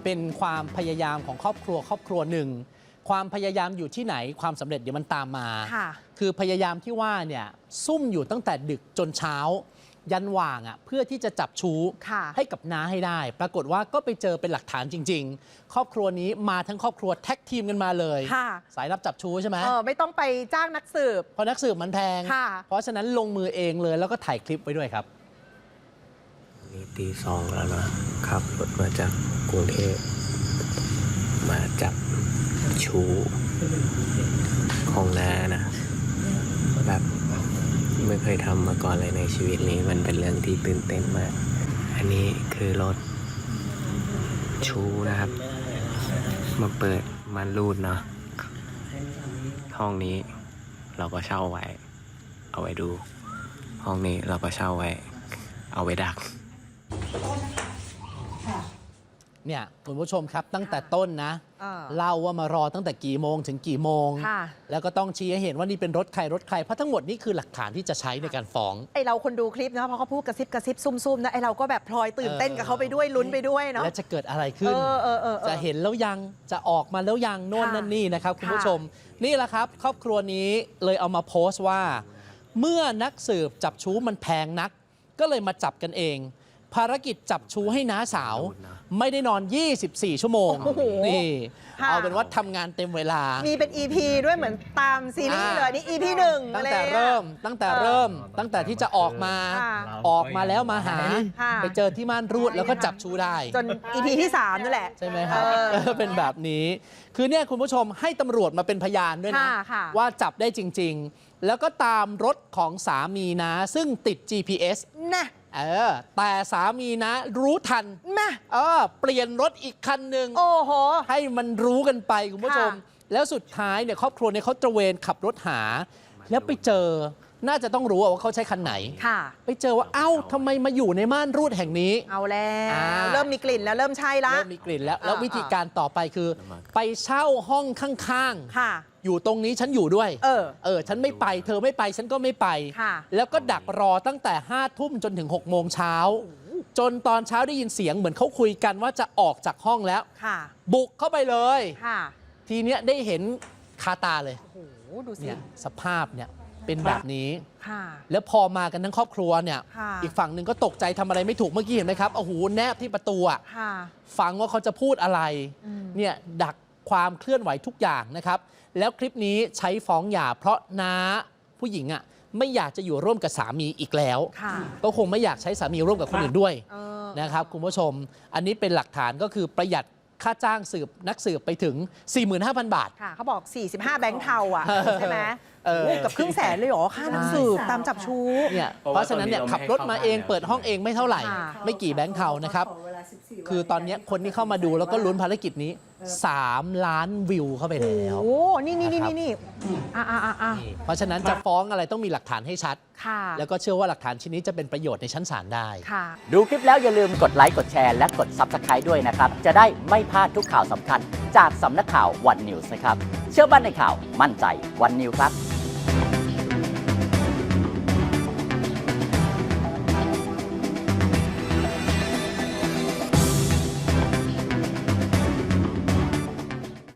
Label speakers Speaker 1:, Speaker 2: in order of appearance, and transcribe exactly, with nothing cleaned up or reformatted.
Speaker 1: เป็นความพยายามของครอบครัวครอบครัวหนึ่งความพยายามอยู่ที่ไหนความสำเร็จเดี๋ยวมันตามมาคือพยายามที่ว่าเนี่ยซุ่มอยู่ตั้งแต่ดึกจนเช้ายันว่างอ่ะเพื่อที่จะจับชู้ให้กับน้าให้ได้ปรากฏว่าก็ไปเจอเป็นหลักฐานจริงๆครอบครัวนี้มาทั้งครอบครัวแท็กทีมกันมาเลยสายรับจับชู้ใช่ไหม
Speaker 2: เออไม่ต้องไปจ้างนักสืบ
Speaker 1: เพราะนักสืบมันแพงเพราะฉะนั้นลงมือเองเลยแล้วก็ถ่ายคลิปไว้ด้วยครับ
Speaker 3: นี่ตีสองแล้วนะขับรถมาจากกรุงเทพมาจับชู้ของน้านะแบบไม่เคยทำมาก่อนเลยในชีวิตนี้มันเป็นเรื่องที่ตื่นเต้นมากอันนี้คือรถชู้นะครับมาเปิดมันรูดเนาะห้องนี้เราก็เช่าไว้เอาไว้ดูห้องนี้เราก็เช่าไว้เอาไว้ดัก
Speaker 1: เนี่ยคุณผู้ชมครับตั้งแต่ต้นนะเล่าว่ามารอตั้งแต่กี่โมงถึงกี่โมงแล้วก็ต้องชี้ให้เห็นว่านี่เป็นรถใครรถใครเพราะทั้งหมดนี่คือหลักฐานที่จะใช้ในการฟ้อง
Speaker 2: ไอเราคนดูคลิปนะเพราะเขาพูดกระซิบกระซิบซุ่มๆนะไอเราก็แบบพลอยตื่นเต้นกับเขาไปด้วยลุ้นไปด้วยเนาะ
Speaker 1: แล้วจะเกิดอะไรขึ้นจะเห็นแล้วยังจะออกมาแล้วยังโน่นนั่นนี่นะครับคุณผู้ชมนี่แหละครับครอบครัวนี้เลยเอามาโพสต์ว่าเมื่อนักสืบจับชู้มันแพงนักก็เลยมาจับกันเองภารกิจจับชู้ให้น้าสาวไม่ได้นอนยี่สิบสี่ชั่วโมงนี่เอาเป็นว่าทำงานเต็มเวลา
Speaker 2: มีเป็น อี พี ด้วยเหมือนตามซีรีส์เลยนี่ อี พี หนึ่ง
Speaker 1: ตั้งแต่เริ่มตั้งแต่เริ่มตั้งแต่ที่จะออกมาออกมาแล้วมาหาไปเจอที่ม่านรูดแล้วก็จับชู้ได้
Speaker 2: จน อี พี ที่สามนั่นแหละ
Speaker 1: ใช่ไหมครับเป็นแบบนี้คือเนี่ยคุณผู้ชมให้ตำรวจมาเป็นพยานด้วยนะว่าจับได้จริงๆแล้วก็ตามรถของสามีนะซึ่งติด จี พี เอส
Speaker 2: นะ
Speaker 1: เออแต่สามีนะรู้ทัน
Speaker 2: แม่
Speaker 1: เออเปลี่ยนรถอีกคันหนึ่ง
Speaker 2: โอ้โห
Speaker 1: ให้มันรู้กันไปคุณผู้ชมแล้วสุดท้ายเนี่ยครอบครัวเนี่ยเขาตระเวนขับรถหาแล้วไปเจอน่าจะต้องรู้ว่าเขาใช้คันไหนไปเจอว่าเอ้าทำไมมาอยู่ในม่านรูดแห่งนี้
Speaker 2: เอาแล้วเริ่มมีกลิ่นแล้วเริ่มใช่ละ
Speaker 1: เริ่มมีกลิ่นแล้วแล้ววิธีการต่อไปคือไปเช่าห้องข้างๆอยู่ตรงนี้ฉันอยู่ด้วยเออเออฉันไม่ไปเธอไม่ไปฉันก็ไม่ไปแล้วก็ดักรอตั้งแต่ห้าทุ่มจนถึงหกโมงเช้าจนตอนเช้าได้ยินเสียงเหมือนเขาคุยกันว่าจะออกจากห้องแล้วบุกเข้าไปเลยทีเนี้ยได้เห็นคาตาเลย
Speaker 2: โอ้โหดูสิ
Speaker 1: สภาพเนี่ยเป็นแบบนี้แล้วพอมากันทั้งครอบครัวเนี่ยอีกฝั่งหนึ่งก็ตกใจทำอะไรไม่ถูกเมื่อกี้เห็นไหมครับโอ้โหแนบที่ประตูอ่ะฟังว่าเขาจะพูดอะไรเนี่ยดักความเคลื่อนไหวทุกอย่างนะครับแล้วคลิปนี้ใช้ฟ้องหย่าเพราะน้าผู้หญิงอ่ะไม่อยากจะอยู่ร่วมกับสามีอีกแล้วก็คงไม่อยากใช้สามีร่วมกับคนอื่นด้วยนะครับคุณผู้ชมอันนี้เป็นหลักฐานก็คือประหยัดค่าจ้างสืบนักสืบไปถึง สี่หมื่นห้าพัน บาท
Speaker 2: ค่ะเขาบอกสี่สิบห้าแบงค์เทาอ่ะใช่ไหมกับครึ่งแสนเลยเหรอค่านักสืบตามจับชู้
Speaker 1: เนี่ยเพราะฉะนั้นเนี่ยขับรถมาเองเปิดห้องเองไม่เท่าไหร่ไม่กี่แบงค์เทานะครับคือตอนนี้คนที่เข้ามาดูแล้วก็ลุ้นภารกิจนี้สามล้านวิวเข้าไปแล้ว
Speaker 2: โอ้นี่นี่นี่นี่อ่าอ่าอ่า
Speaker 1: เพราะฉะนั้นจะฟ้องอะไรต้องมีหลักฐานให้ชัดแล้วก็เชื่อว่าหลักฐานชิ้นนี้จะเป็นประโยชน์ในชั้นศาลได้
Speaker 4: ดูคลิปแล้วอย่าลืมกดไลค์กดแชร์และกด ซับสไครบ์ ด้วยนะครับจะได้ไม่พลาดทุกข่าวสำคัญจากสำนักข่าววันนิวส์นะครับเชื่อมั่นในข่าวมั่นใจวันนิวส์ครับ